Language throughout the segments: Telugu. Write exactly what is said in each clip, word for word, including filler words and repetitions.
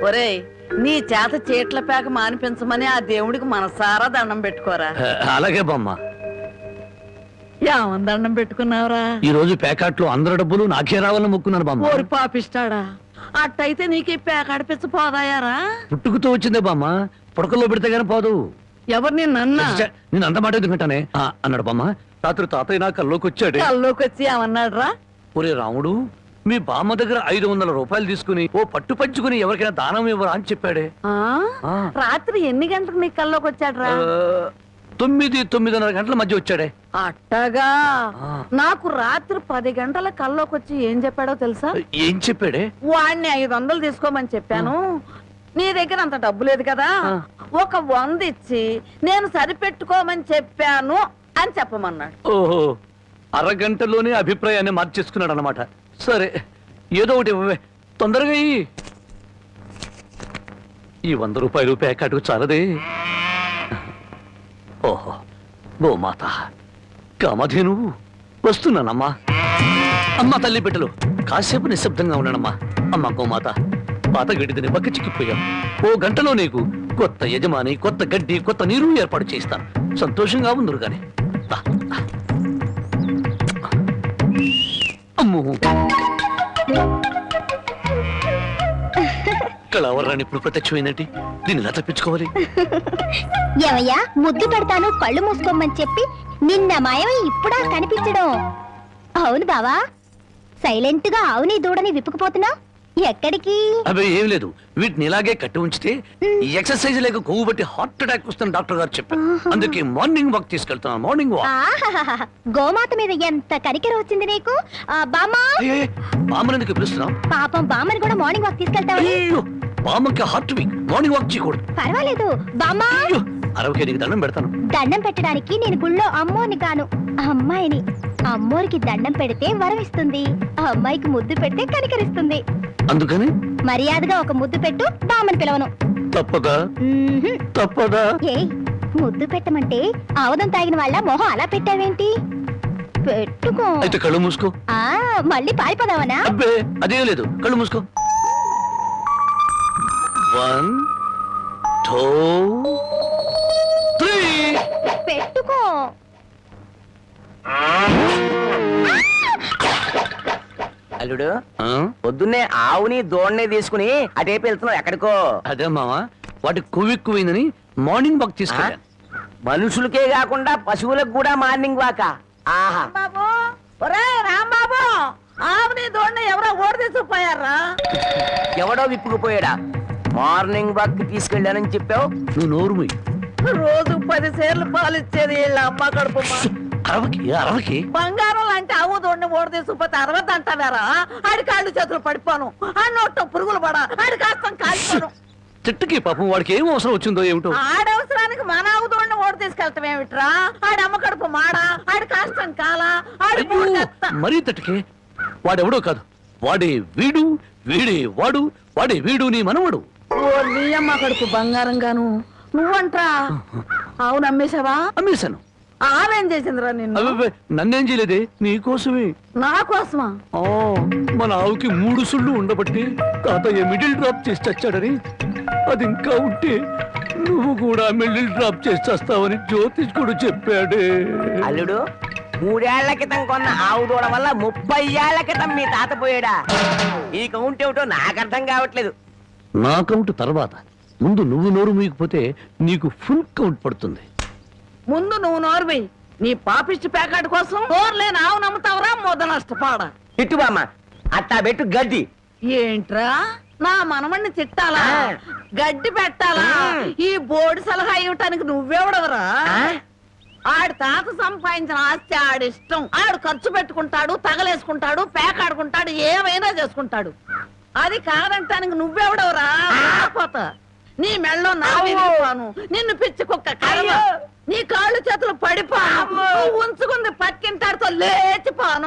ఒరేయ్, నీ చేత చీట్ల పేక మానిపించమని ఆ దేవుడికి మనసారా దండం పెట్టుకోరా. అలాగే బామ్మ. ఏమని దండం పెట్టుకున్నావురా? ఈ రోజు పేకాట్లో అందరి డబ్బులు నాకే రావాలని మొక్కున్నాను బామ్మ. ఓరి పాపిస్తాడా, అట్టయితే నీకు ఈ పేక ఆడిపించ పోదాయారా? పుట్టుకుతో వచ్చిందే బామ్మ, పుడకల్లో పెడితే గానీ పోదు. ఎవరు నిన్న నేను అంత మాట ఎందుకంటానే అన్నాడు బామ్మ. రాత్రి తాతయ్య నా కల్లోకి వచ్చాడు. కల్లోకి వచ్చి ఏమన్నాడు రా? ఒరే రాముడు, మీ బామ్మ దగ్గర ఐదు వందల రూపాయలు తీసుకుని ఓ పట్టు పంచుకుని ఎవరికైనా దానం ఇవ్వరా అని చెప్పాడే. రాత్రి ఎన్ని గంటలకు నీ కల్లోకి వచ్చాడు రా? తొమ్మిది తొమ్మిదిన్నర గంటల మధ్య వచ్చాడే. అట్టగా నాకు రాత్రి పది గంటల కల్లోకి వచ్చి ఏం చెప్పాడో తెలుసా? ఏం చెప్పాడే? వాడిని ఐదు వందలు తీసుకోమని చెప్పాను, నీ దగ్గర అంత డబ్బు లేదు కదా, ఒక వంద ఇచ్చి నేను సరిపెట్టుకోమని చెప్పాను అని చెప్పమన్నాడు. ఓహో, అరగంటలోనే అభిప్రాయాన్ని మార్చేసుకున్నాడు అన్నమాట. సరే, ఏదో ఒకటి ఇవ్వవే, తొందరగా ఈ వంద రూపాయలు ప్యాకెట్కు చాలదే. ఓహో, గోమాత కామధేను వస్తున్నానమ్మా. అమ్మ తల్లి బిడ్డలు కాసేపు నిశ్శబ్దంగా ఉన్నానమ్మా. అమ్మ గోమాత, పాత గడ్డిని బక్క చిక్కిపోయాం. ఓ గంటలో నీకు కొత్త యజమాని, కొత్త గడ్డి, కొత్త నీరు ఏర్పాటు చేస్తాను. సంతోషంగా ఉందరు గాని. అమ్మో, కళావరాన్ని ఇప్పుడు ప్రత్యక్షమైందంటే దీన్ని ఎలా తప్పించుకోవాలి? ఏమయ్యా, ముద్దు పెడతాను కళ్ళు మూసుకోమని చెప్పి నిన్న మాయమై ఇప్పుడా కనిపించడం? అవును బావా, సైలెంట్ గా అవుని దూడని విప్పుకుపోతున్నా ఎక్కడికి? అవి ఏం లేదు, వీటిని ఇలాగే కట్టి ఉంచితే ఈ ఎక్సర్సైజ్ లేక కొవ్వు బట్టి హార్ట్ అటాక్ వస్తుంది డాక్టర్ గారు చెప్పారు. అందుకే మార్నింగ్ వాక్ తీసుకెళ్తున్నాను. Morning walk. గోమాత మీద ఎంత కనికెర వచ్చింది నీకు? బామ్మా, బామ్మని పిలుస్తున్నాం. పాపం బామ్మని కూడా మార్నింగ్ వాక్ తీసుకెళ్తావా? బామ్మకి హార్ట్ వీక్, మార్నింగ్ వాక్ చేయకూడదు. పర్వాలేదు బామ్మా, అరవకే నీకు దండం పెడతాను. దండం పెట్టడానికి నేను గుళ్ళో అమ్మోని కాను, అమ్మాయిని. అమ్మోరికి దండం పెడితే వరం ఇస్తుంది, అమ్మాయికి ముద్దు పెడితే కనికరిస్తుంది. అందుకని మర్యాదగా ఒక ముద్దు పెట్టు, బామ్మని పిలవను. తప్పదా? తప్పదా? ఏ ముద్దు పెట్టమంటే ఆవదం తాగిన వాళ్ళ మొహం అలా పెట్టావేంటి? పెట్టుకో. అయితే కళ్ళు మూసుకో. ఆ మళ్ళీ పారిపోదావనా? అబ్బే అదేం లేదు, కళ్ళు మూసుకో. One two three. పెట్టుకో. అల్లుడు, పొద్దున్నే ఆవుని దోణ్ణి తీసుకుని అటేపు వెళ్తున్నావు, ఎక్కడికో? అదే మావా, వాటి కొవ్వెక్కువైందని మార్నింగ్ వాక్ తీసుకెళ్ళా. మనుషులకే కాకుండా పశువులకు కూడా మార్నింగ్ వాక? ఆహా. బాబు, ఒరే రాంబాబు, ఆవుని దోణ్ణి ఎవరో ఓడి తీసుకుపోయారా? ఎవడో విప్పుకుపోయాడా? మార్నింగ్ వాక్ తీసుకెళ్ళానని చెప్పావు. నువ్వు నోరు మూయి. రోజు పది సేర్లు పాలు ఇచ్చేది వీళ్ళ అమ్మ కడుపు. అరవకి అరవకి బంగారం లాంటి ఆవు దోడిని ఓడి తీసుకుపోతే అరవద్దు అంటావారా? ఆడి కాళ్ళు చేతులు పడిపోను, ఆ నోట్లో పురుగులు పడా, ఆడి కాస్తం కాలిపోను. చెట్టుకి పాపం వాడికి ఏం అవసరం వచ్చిందో ఏమిటో. ఆడవసరానికి మన ఆవు దోడిని ఓడి తీసుకెళ్తాం ఏమిట్రా? ఆడి అమ్మ కడుపు మాడా, ఆడి కాస్తం కాలా, ఆడి మరీ తట్టుకే. వాడెవడో కాదు, వాడే వీడు, వీడే వాడు, వాడే వీడు నీ మనవడు. ఓ నీ అమ్మ కడుపు బంగారం గాను. నువ్వంట్రా ఆవును అమ్మేశావా? అమ్మేశాను. ఆవేం చేసిందిరా నిన్ను? నన్నేం చేయలేదే, నీకోసమే. నా కోసమా? మన ఆవుకి మూడు సుళ్ళు ఉండబట్టి తాతయ్య మిడిల్ డ్రాప్ చేసి చచ్చాడని, అది ఇంకా ఉంటే నువ్వు కూడా మిడిల్ డ్రాప్ చేసి చేస్తావని జ్యోతిష్కుడు చెప్పాడే. అల్లుడు, మూడేళ్ల క్రితం కొన్న ఆవు దూడ వల్ల ముప్పై ఏళ్ల క్రితం మీ తాత పోయాడా? ఈ కౌంట్ ఏమిటో నాకు అర్థం కావట్లేదు. నా కౌంట్ తర్వాత, ముందు నువ్వు నోరు మూయకపోతే నీకు ఫుల్ కౌంట్ పడుతుంది. ముందు నువ్వు నోరువి. నీ పాపిష్టి ప్యాకెట్ కోసం నోరులేని ఆవు నమ్ముతావరా? మొద నష్టపాడ. తిట్టు బామ్మ, అట్టా పెట్టు గడ్డి. ఏంట్రా నా మనమణ్ణి తిట్టాలా, గడ్డి పెట్టాలా? ఈ బోర్డు సలహా ఇవ్వటానికి నువ్వెవడవరా? ఆడి తాత సంపాదించిన ఆస్తి ఆడిష్టం. ఆడు ఖర్చు పెట్టుకుంటాడు, తగలేసుకుంటాడు, పేకాడుకుంటాడు, ఏమైనా చేసుకుంటాడు. అది కాదంటానికి నువ్వెవడవరా? పోతా నీ మెళ్ళో నా విరిగిపోను, నిన్ను పిచ్చి కుక్క కర్మ, నీ కాళ్ళు చేతులు పడిపోను, ఉంచుకుంది పక్కింటాడుతో లేచిపోను.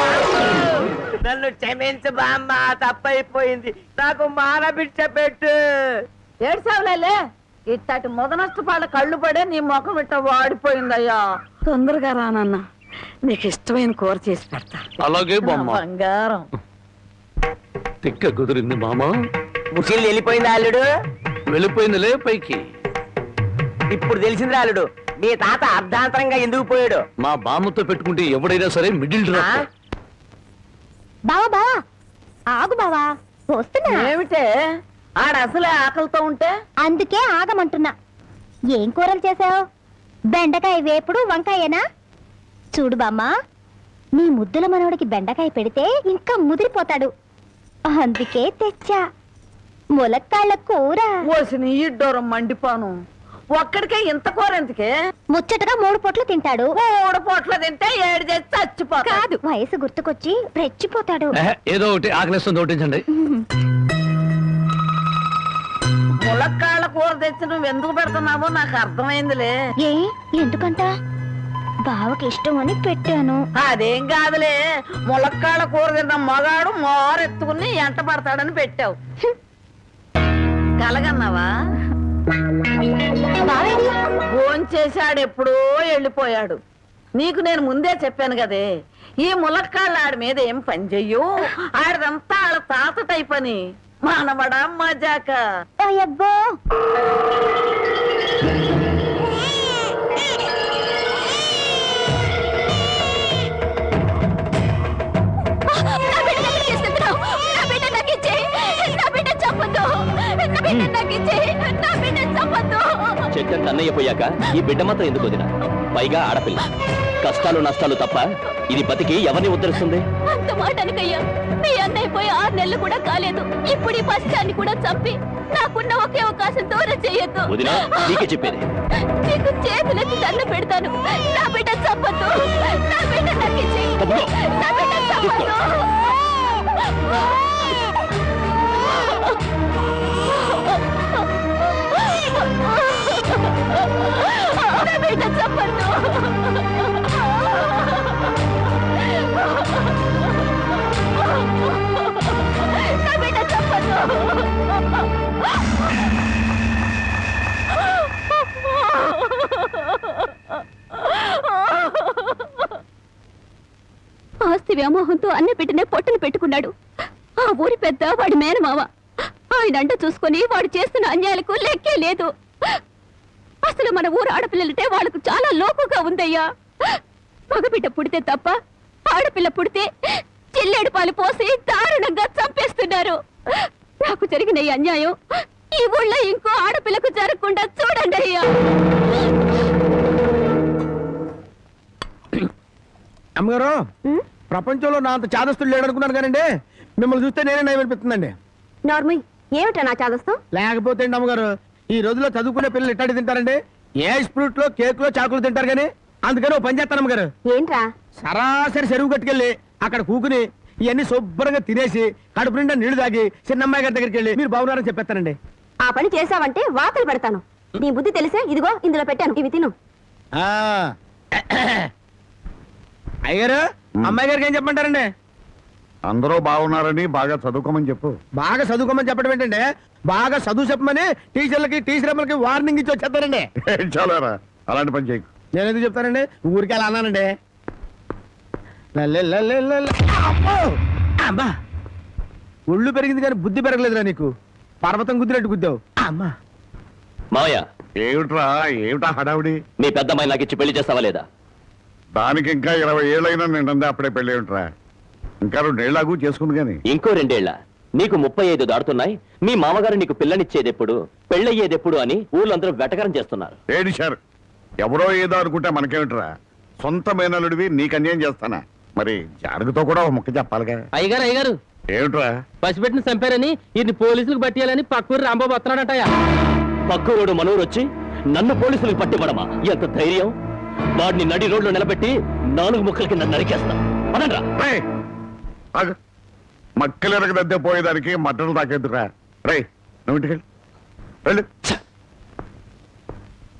నన్ను క్షమించు బామ్మ, తప్పైపోయింది. నాకు మానబిడ్డ పెట్టు. ఏడ్సావులే, ఇట్టటి మొద నష్టపాళ్ళ కళ్ళు పడే నీ ముఖం ఇట్ట వాడిపోయిందయ్యా. తొందరగా రానన్న, నీకు ఇష్టమైన కూర చేసి పెడతా. అలాగే బంగారం తిక్క కుదిరింది మామ. ముసిలి వెళ్ళిపోయింది అల్లుడు. వెళ్ళిపోయిందిలే పైకి. ఇప్పుడు తెలిసింది అల్లుడు మీ తాత అర్ధాంతరంగా ఎందుకు పోయాడు. మా బామ్మతో పెట్టుకుంటే ఎవడైనా సరే మిడిల్ ఆ? డ్రాప్. బావా బావా ఆగు బావా వస్తున్నా. ఏమిటే ఆడ అసలే ఆకలితో ఉంటే అందుకే ఆగమంటున్నా. ఏం కూరలు చేసావు? బెండకాయ వేపుడు వంకాయేనా? చూడు బామ్మ, నీ ముద్దుల మనవడికి బెండకాయ పెడితే ఇంకా ముదిరిపోతాడు. అందుకే తెచ్చా ములక్కాళ్ళ కూర. ఓసిన ఇడ్డోరం మండిపోను. ఒక్కడికే ఇంత కూర ఎందుకే? ముచ్చటగా మూడు పొట్లు తింటాడు. మూడు పూట్ల తింటే ఏడు చేసి చచ్చిపోతా. కాదు, వయసు గుర్తుకొచ్చి రెచ్చిపోతాడు. ఏహే, ఏదో ఒకటి ఆకలిస్తుంది ఒకటించండి. ములక్కాళ్ళ కూర తెచ్చి నువ్వు ఎందుకు పెడుతున్నావో నాకు అర్థమైందిలే. ఏ ఎందుకంట? బావకి ఇష్టం అని పెట్టాను. అదేం కాదులే, ములక్కాళ్ళ కూర తిన్న మగాడు మోరెత్తుకుని ఎంట పడతాడని పెట్టావు. కలగన్నావా? బావేడి? భోంచేశాడు, ఎప్పుడో వెళ్ళిపోయాడు. నీకు నేను ముందే చెప్పాను కదే, ఈ ములక్కాళ్ళ ఆడి మీద ఏం పని చెయ్యు. ఆడిదంతా ఆడ తాత టైప్ అని. మానవడా మజాక. అయ్యబ్బో, చెట్టంత అన్నయ్య పోయాక ఈ బిడ్డ మాత్రం ఎందుకు వదిన? పైగా ఆడపిల్ల. కష్టాలు నష్టాలు తప్ప ఇది బతికి ఎవరిని ఉద్ధరిస్తుంది? అంత మాట అనకయ్యా. మీ అన్నయ్య పోయి ఆరు నెలలు కూడా కాలేదు. ఇప్పుడు ఈ పశ్చాన్ని కూడా చంపి నాకున్న ఒకే అవకాశం దూరం చేయొద్దు. వదినా, నీకే చెప్పేది. నీకు చేతులెత్తి దండ పెడతాను. నా బిడ్డ చంపద్దు. నా బిడ్డ నక్కించి తమ్ముడు, నా బిడ్డ చంపద్దు. నా బిడ్డ చంపద్దు. నా బిడ్డ చంపద్దు. ఆస్తి వ్యామోహంతో అన్న బిడ్డనే పొట్టను పెట్టుకున్నాడు. ఆ ఊరి పెద్ద వాడి మేనమావ. ఆయన అంట చూసుకొని వాడు చేస్తున్న అన్యాయాలకు లెక్కే లేదు. అసలు మన ఊరు ఆడపిల్లలంటే వాళ్ళకు చాలా లోకుగా ఉందయ్యా. మగబిడ్డ పుడితే తప్ప ఆడపిల్ల పుడితే చిల్లేడు పాలు పోసి దారుణంగా చంపేస్తున్నారు. నాకు జరిగిన ఈ అన్యాయం ఈ ఊళ్ళో ఇంకో ఆడపిల్లకు జరగకుండా చూడండి అయ్యా. అమ్మగారు, ప్రపంచంలో నా అంత చాదస్తుడు లేడనుకున్నాను కానండి, మిమ్మల్ని చూస్తే నేనే నయం అనిపిస్తుందండి. నార్మల్ ఏమిటా నా చాదస్తం? లేకపోతే అండి అమ్మగారు, ఈ రోజుల్లో చదువుకునే పిల్లలు ఎట్టాడి తింటారండి? ఏ ఫ్రూట్ లో కేక్ లో చాకులు తింటారు కానీ. అందుకని ఓ పని చేస్తాను అమ్మగారు, ఏంట్రా? సరాసరి చెరువు కట్టుకెళ్ళి అక్కడ కూకుని ఇవన్నీ శుభ్రంగా తినేసి కడుపు నిండా నీళ్లు తాగి చిన్నమ్మాయి గారి దగ్గరికి వెళ్ళి మీరు బాగున్నారని చెప్పేస్తానండి. ఆ పని చేసావంటే వాతలు పెడతాను. నీ బుద్ధి తెలిసే ఇదిగో ఇందులో పెట్టాను, ఇవి తిను. ఆ. అయ్యగారు, అమ్మాయి గారికి ఏం చెప్పమంటారండి? అందరూ బాగున్నారని బాగా చదువుకోమని చెప్పు. బాగా చదువుకోమని చెప్పడం ఏంటంటే, బాగా చదువు చెప్పమని టీచర్లకి టీచర్ అమ్మలకి వార్నింగ్ ఇచ్చి వచ్చేస్తారండి. చాలారా, అలాంటి పని చేయకు. నేను ఎందుకు చెప్తానండి, ఊరికి అలా అన్నానండి. లల్లే లల్లే లల్లే. అమ్మో! అమ్మా, ఒళ్ళు పెరిగింది కానీ బుద్ధి పెరగలేదురా నీకు. పర్వతం గుద్దినట్టు గుద్దావు. అమ్మా, మావయ్య, ఏమిట్రా, ఏమిటా హడావుడి? మీ పెద్దమ్మాయి నాకు ఇచ్చి పెళ్లి చేస్తావా లేదా? దానికి ఇంకా ఇరవై ఏళ్ళైనా నిండందే అప్పుడే పెళ్ళి ఏమిట్రా? ఇంకా రెండేళ్లాగు చేసుకుంది గాని. ఇంకో రెండేళ్ల నీకు ముప్పై ఐదు దాడుతున్నాయి. మీ మామగారు నీకు పిల్లనిచ్చేదెప్పుడు, పెళ్ళయ్యేదెప్పుడు అని ఊళ్ళందరూ వెటకరం చేస్తున్నారు. ఏడిశారు. ఎవరో ఏదో అనుకుంటే మనకేమిట్రా? సొంత మేనలుడివి నీకు అన్యాయం చేస్తానా? మరి జానకితో కూడా ఒక ముక్క చెప్పాలిగా. అయ్యగారు అయ్యగారు ఏమిట్రా? పసిపెట్టిన చంపారని ఇది పోలీసులకు పట్టేయాలని పక్కూరు రాంబాబు వస్తున్నాడటయా. పక్కూరోడు మనూరు వచ్చి నన్ను పోలీసులకు పట్టిపడమా? ఎంత ధైర్యం! వాడిని నడి రోడ్లో నిలబెట్టి నాలుగు ముక్కల కింద నరికేస్తా. పదండ్రా. రేయ్, ఆగు. మక్కలెరగదద్దే పోయేదానికి మట్టలు తాకేద్దురా. రేయ్, నువ్వు ఇంటికి వెళ్ళు. వెళ్ళు. ఛ!